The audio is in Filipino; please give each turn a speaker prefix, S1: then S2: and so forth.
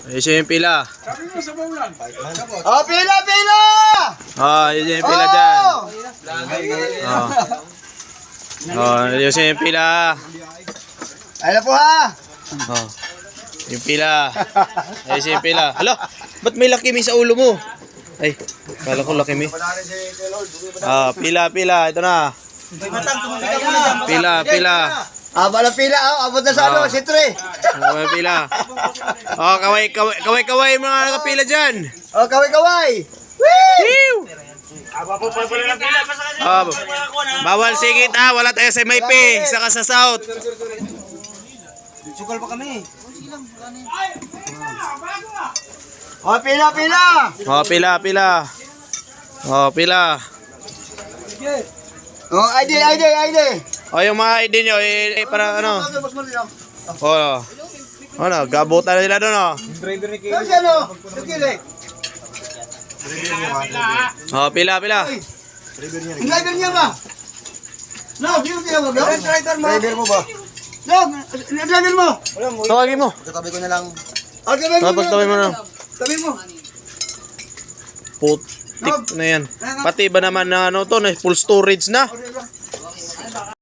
S1: Ayun yung pila.
S2: Oh, pila, pila!
S1: Ayun yung pila dyan. Ayun yung pila.
S2: Ayun na po ha.
S1: Yung pila. Ayun yung pila. Hala, ba't may lakimi sa ulo mo? Ay, kala ko lakimi. Pila. Ito na. Pila.
S2: Aba na pila, abot na sa ano, si Tre.
S1: Pila. Kaway mga nakapila dyan.
S2: Oh, kaway-kaway.
S1: Woo! Bawal sigit wala tayo sa MIP, saka sa South.
S2: Sukal pa kami. Oh, pila.
S1: Pila.
S2: Oh, ID.
S1: Yung mga ID nyo, para ano. Gabutan na nila doon,
S2: Kasi ano, tukili.
S1: Pila.
S2: Ang driver niya ba? No, sino tinawag daw? Driver mo ba? No, driver mo.
S1: Tawagin mo.
S2: Katabi ko na lang.
S1: Tawagin mo na.
S2: Tabi mo.
S1: Putik na yan. Pati ba naman na full storage na?